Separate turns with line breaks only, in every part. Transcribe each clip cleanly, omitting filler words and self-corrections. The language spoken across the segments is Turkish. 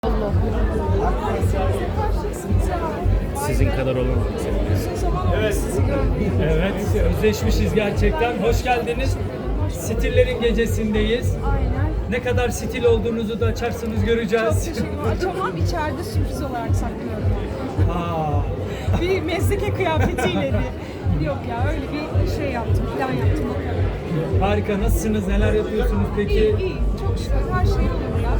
Allah.
Sizin kadar olamadı.
Evet.
Evet, özleşmişiz gerçekten. Hoş geldiniz. Stillerin gecesindeyiz.
Aynen.
Ne kadar stil olduğunuzu da açarsanız
Çok
göreceğiz.
teşekkür ederim. Açamam, içeride sürpriz olarak saklıyorum.
Aa,
Bir mezdeke kıyafetiyle bir. Yok ya, öyle bir şey yaptım, plan yaptım o kadar.
harika. Nasılsınız? Neler yapıyorsunuz peki?
İyi, çok şükür her şey yolunda.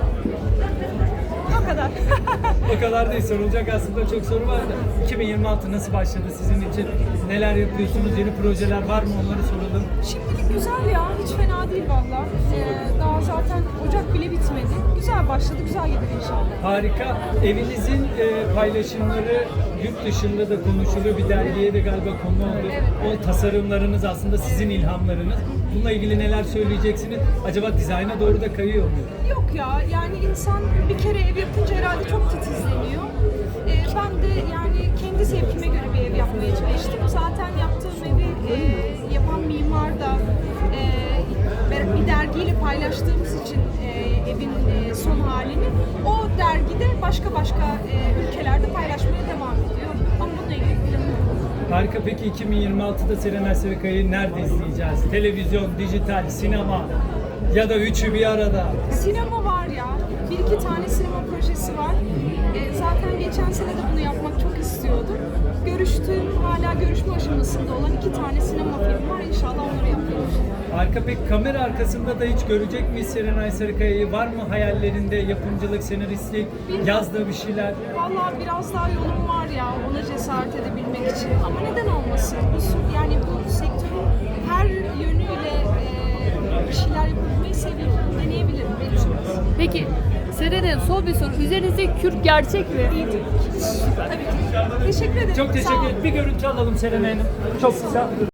O kadar.
O kadar değil. Sorulacak aslında çok soru var da. 2026 nasıl başladı sizin için? Neler yapıyorsunuz? Yeni projeler var mı? Onları soralım.
Şimdilik güzel ya, hiç fena değil valla. Daha zaten Ocak bile bitmedi. Güzel başladı, güzel gider inşallah.
Harika. Evinizin paylaşımları yurt dışında da konuşuluyor. Bir dergiye de galiba konu oldu.
Evet.
O tasarımlarınız aslında sizin ilhamlarınız. Bununla ilgili neler söyleyeceksiniz? Acaba dizayna doğru da kayıyor mu?
Yok ya, yani insan bir kere ev yapınca herhalde çok titizleniyor. Ben de yani kendi zevkime göre bir ev yapmaya çalıştım. Zaten yaptığım evi yapan mimar da bir dergiyle paylaştığımız için evin son halini o dergide başka ülkelerde paylaşmaya devam ediyor. Ama bununla ilgili planım yok.
Harika. Peki 2026'da Serenay Sarıkaya'yı nerede izleyeceğiz? Televizyon, dijital, sinema ya da üçü bir arada?
Sinema var ya, bir iki tane sinema projesi var. Zaten geçen sene de bunu yapmak çok istiyordum. Hala görüşme aşamasında olan iki tane sinema filmi var. İnşallah onları yapıyoruz.
Harika. Peki kamera arkasında da hiç görecek miyiz Serenay Sarıkaya'yı? Var mı hayallerinde yapımcılık, senaristlik, yazdığı bir şeyler?
Vallahi biraz daha yolum var ya, ona cesaret edebilmek için. Ama neden olmasın? Yani bu sektörün her yönüyle bir şeyler yapabilmeyi seviyorum. Deneyebilirim. Benim için.
Peki Serenay, son bir soru. Üzerinizde kürk gerçek mi?
İyi tabii ki. Tabii ki. Teşekkür ederim.
Çok
Sağ
teşekkür
olun.
ederim. Bir görüntü alalım Serenay Hanım. Çok güzel.